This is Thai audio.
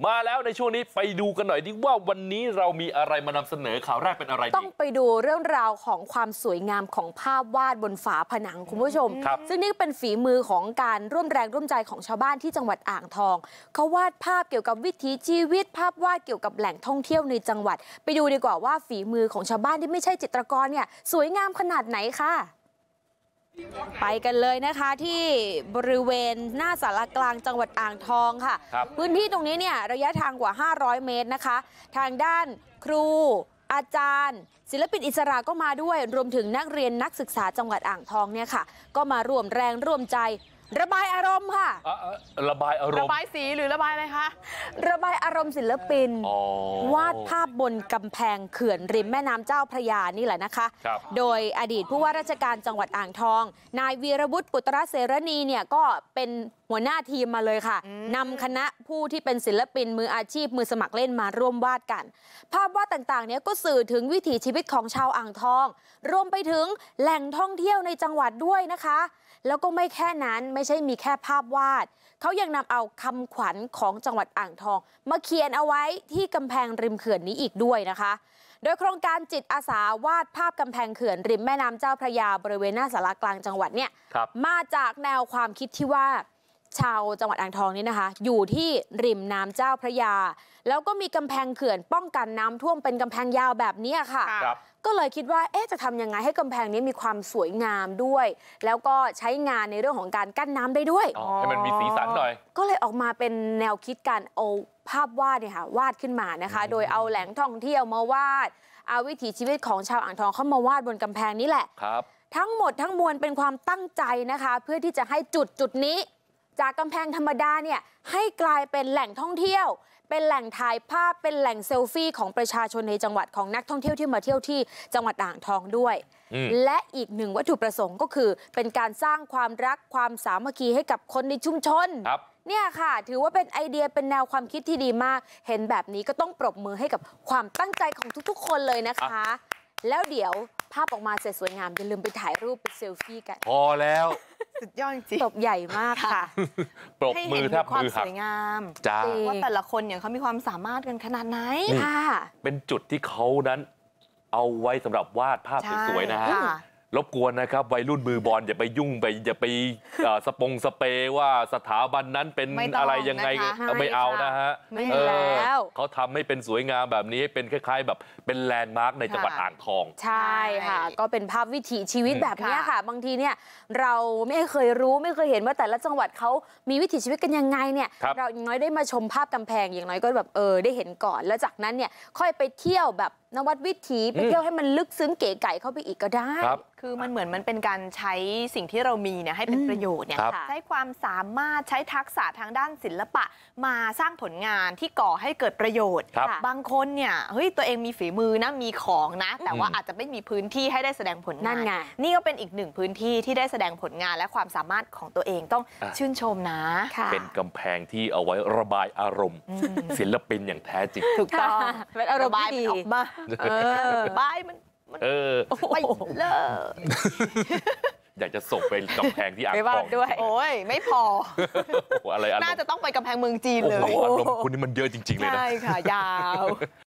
มาแล้วในช่วงนี้ไปดูกันหน่อยดิว่าวันนี้เรามีอะไรมานำเสนอข่าวแรกเป็นอะไรต้องไปดูเรื่องราวของความสวยงามของภาพวาดบนฝาผนังคุณผู้ชมซึ่งนี่เป็นฝีมือของการร่วมแรงร่วมใจของชาวบ้านที่จังหวัดอ่างทองเขาวาดภาพเกี่ยวกับวิถีชีวิตภาพวาดเกี่ยวกับแหล่งท่องเที่ยวในจังหวัดไปดูดีกว่าว่าฝีมือของชาวบ้านที่ไม่ใช่จิตรกรเนี่ยสวยงามขนาดไหนค่ะไปกันเลยนะคะที่บริเวณหน้าศาลากลางจังหวัดอ่างทองค่ะพื้นที่ตรงนี้เนี่ยระยะทางกว่า500 เมตรนะคะทางด้านครูอาจารย์ศิลปินอิสระก็มาด้วยรวมถึงนักเรียนนักศึกษาจังหวัดอ่างทองเนี่ยค่ะก็มาร่วมแรงร่วมใจระบายอารมณ์ค่ะระบายอารมณ์ระบายสีหรือระบายอะไรคะระบายอารมณ์ศิลปินวาดภาพบนกำแพงเขื่อนริมแม่น้ำเจ้าพระยานี่แหละนะคะโดยอดีตผู้ว่าราชการจังหวัดอ่างทองนายวีรวุฒิปุตรเสรณีเนี่ยก็เป็นหัวหน้าทีมมาเลยค่ะนำคณะผู้ที่เป็นศิลปินมืออาชีพมือสมัครเล่นมาร่วมวาดกันภาพวาดต่างๆเนี่ยก็สื่อถึงวิถีชีวิตของชาวอ่างทองรวมไปถึงแหล่งท่องเที่ยวในจังหวัดด้วยนะคะแล้วก็ไม่แค่นั้นไม่ใช่มีแค่ภาพวาดเขายังนำเอาคำขวัญของจังหวัดอ่างทองมาเขียนเอาไว้ที่กำแพงริมเขื่อนนี้อีกด้วยนะคะโดยโครงการจิตอาสาวาดภาพกำแพงเขื่อนริมแม่น้ำเจ้าพระยาบริเวณหน้าศาลากลางจังหวัดเนี่ยมาจากแนวความคิดที่ว่าชาวจังหวัดอ่างทองนี่นะคะอยู่ที่ริมน้ำเจ้าพระยาแล้วก็มีกำแพงเขื่อนป้องกันน้ำท่วมเป็นกำแพงยาวแบบนี้ค่ะก็เลยคิดว่าจะทำยังไงให้กำแพงนี้มีความสวยงามด้วยแล้วก็ใช้งานในเรื่องของการกั้นน้ำได้ด้วยให้มันมีสีสันหน่อยก็เลยออกมาเป็นแนวคิดการเอาภาพวาดเนี่ยค่ะวาดขึ้นมานะคะโดยเอาแหล่งท่องเที่ยวมาวาดเอาวิถีชีวิตของชาวอ่างทองเข้ามาวาดบนกำแพงนี้แหละทั้งหมดทั้งมวลเป็นความตั้งใจนะคะเพื่อที่จะให้จุดนี้จากกำแพงธรรมดาเนี่ยให้กลายเป็นแหล่งท่องเที่ยวเป็นแหล่งถ่ายภาพเป็นแหล่งเซลฟี่ของประชาชนในจังหวัดของนักท่องเที่ยวที่มาเที่ยวที่จังหวัดอ่างทองด้วยและอีกหนึ่งวัตถุประสงค์ก็คือเป็นการสร้างความรักความสามัคคีให้กับคนในชุมชนเนี่ยค่ะถือว่าเป็นไอเดียเป็นแนวความคิดที่ดีมากเห็นแบบนี้ก็ต้องปรบมือให้กับความตั้งใจของทุกๆคนเลยนะคะแล้วเดี๋ยวภาพออกมาเสร็จสวยงามอย่าลืมไปถ่ายรูปไปเซลฟี่กันพอแล้วสุดยอดจริงตบใหญ่มากค่ะปรบมือแทบมือหักสวยงามว่าแต่ละคนเนี่ยเขามีความสามารถกันขนาดไหนค่ะเป็นจุดที่เขานั้นเอาไว้สำหรับวาดภาพสวยๆนะฮะรบกวนนะครับวัยรุ่นมือบอลอย่าไปยุ่งไปอย่าไปสเปรย์ว่าสถาบันนั้นเป็นอะไรยังไงไม่เอานะฮะเขาทำให้เป็นสวยงามแบบนี้ให้เป็นคล้ายๆแบบเป็นแลนด์มาร์คในจังหวัดอ่างทองใช่ค่ะก็เป็นภาพวิถีชีวิตแบบนี้ค่ะบางทีเนี่ยเราไม่เคยรู้ไม่เคยเห็นว่าแต่ละจังหวัดเขามีวิถีชีวิตกันยังไงเนี่ยเราอย่างน้อยได้มาชมภาพกำแพงอย่างน้อยก็แบบได้เห็นก่อนแล้วจากนั้นเนี่ยค่อยไปเที่ยวแบบนวัดวิถีไปเที่ยวให้มันลึกซึ้งเก๋ไก่เข้าไปอีกก็ได้คือมันเหมือนมันเป็นการใช้สิ่งที่เรามีเนี่ยให้เป็นประโยชน์เนี่ยใช้ความสามารถใช้ทักษะทางด้านศิลปะมาสร้างผลงานที่ก่อให้เกิดประโยชน์บางคนเนี่ยเฮ้ยตัวเองมีฝีมือนะมีของนะแต่ว่าอาจจะไม่มีพื้นที่ให้ได้แสดงผลงานนี่ก็เป็นอีกหนึ่งพื้นที่ที่ได้แสดงผลงานและความสามารถของตัวเองต้องชื่นชมนะเป็นกำแพงที่เอาไว้ระบายอารมณ์ศิลปินอย่างแท้จริงถูกต้องเป็นอารมณ์ดีออกมาบายมันไปเลยอยากจะส่งไปกำแพงที่อ่างทองด้วยโอ้ยไม่พออะไรน่าจะต้องไปกำแพงเมืองจีนเลยอารมณ์คุณนี่มันเยอะจริงๆเลยนะใช่ค่ะยาว